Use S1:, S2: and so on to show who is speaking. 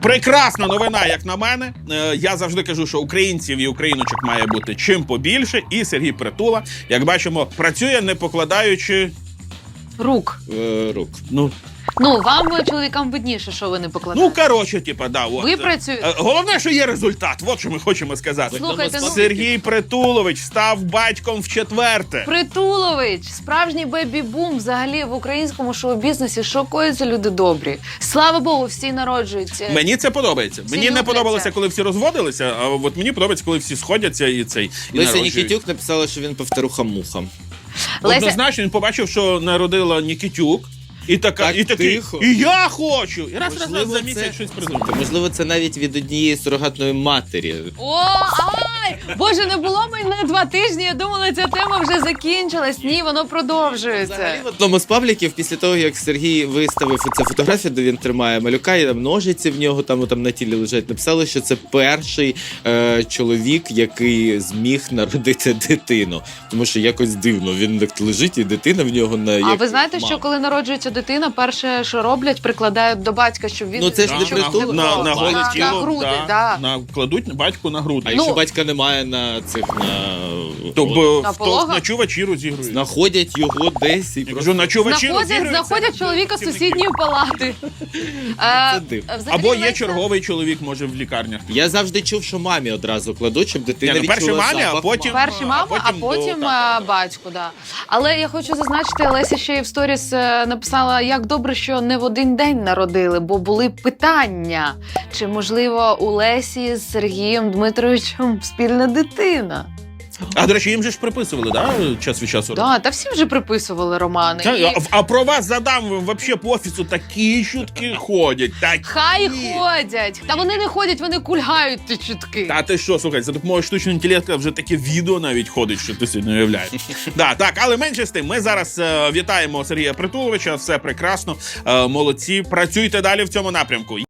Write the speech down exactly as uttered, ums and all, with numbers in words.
S1: Прекрасна новина, як на мене. Е, я завжди кажу, що українців і україночок має бути чим побільше. І Сергій Притула, як бачимо, працює не покладаючи
S2: Рук.
S3: Е, рук.
S1: Ну,
S2: Ну, вам, чоловікам, видніше, що ви не покладаєте.
S1: ну коротше, типа, да. От.
S2: Ви працюєте.
S1: Е, Головне, що є результат. От що ми хочемо сказати.
S2: Слухайте, ну...
S1: Сергій Притулович став батьком в четверте.
S2: Притулович, справжній бебі-бум взагалі в українському шоу-бізнесі. Шокуються люди добрі. Слава Богу, всі народжуються.
S1: Мені це подобається.
S2: Всі
S1: мені не
S2: любляться.
S1: подобалося, коли всі розводилися, а от мені подобається, коли всі сходяться і цей і
S3: Леся
S1: народжують.
S3: Нікітюк написала, що він повторуха-муха.
S2: Леся...
S1: Однозначно, він побачив, що народила Нікітюк. І така,
S3: Так
S1: і такий,
S3: тихо.
S1: і я хочу! І раз, раз, раз
S3: Можливо,
S1: за місяць
S3: це-
S1: щось придумав.
S3: Можливо, це навіть від однієї сурогатної матері.
S2: О, ай! Боже, не було мене два тижні, я думала, ця тема вже закінчилась. Ні, воно продовжується.
S3: Взагалі, в одному з пабліків, після того, як Сергій виставив оцю фотографію, де він тримає малюка, і там ножиці в нього там, там на тілі лежать, написали, що це перший е, чоловік, який зміг народити дитину. Тому що якось дивно, він так лежить, і дитина в нього на...
S2: А
S3: як
S2: ви знаєте,
S3: мама.
S2: що коли народжується дитина, перше, що роблять, прикладають до батька, щоб він...
S3: Ну, це ж не
S2: щоб
S3: притул-
S2: він-
S1: на, на голе
S2: на,
S1: тіло,
S2: на груди,
S1: да,
S2: да.
S1: на, кладуть батьку на груди.
S3: А
S2: Ну,
S3: якщо батька немає на цих, на...
S1: То, бо,
S2: На
S1: в-
S2: пологах?
S1: то ночувачі розігрують.
S3: знаходять його десь і
S1: Я
S3: просто...
S1: кажу, ночувачі
S2: Знаходять,
S1: розігрують.
S2: знаходять
S1: це
S2: чоловіка з
S1: працівники.
S2: сусідньої палати.
S3: Це
S2: Е,
S3: дивно.
S2: взагалі,
S1: Або є
S2: Леся-
S1: черговий чоловік, може, в лікарнях.
S3: Я завжди чув, що мамі одразу кладуть, щоб дитина
S1: Ні, ну, перше
S3: відчула
S1: мамі, а
S3: запах
S1: потім-
S3: мами.
S2: Перші мама, а
S1: потім
S2: потім,
S1: до
S2: а,
S1: тата.
S2: батько, да. Але я хочу зазначити, Леся ще й в сторіс е, написала, як добре, що не в один день народили, бо були питання, чи, можливо, у Лесі з Сергієм Дмитровичем спільна дитина.
S1: А, до речі, їм же ж приписували, да, час від часу?
S2: Да, та всі вже приписували романи.
S1: Та,
S2: І
S1: а, а про вас задам, вообще по офісу такі чутки ходять. Такі.
S2: Хай ходять. Та вони не ходять, вони кульгають ті чутки.
S1: Та ти що, слухай, за допомогою штучного інтелекту вже таке відео навіть ходить, що ти собі не уявляєш. Да, так, але менше з тим, ми зараз е, вітаємо Сергія Притуловича, все прекрасно, е, молодці, працюйте далі в цьому напрямку.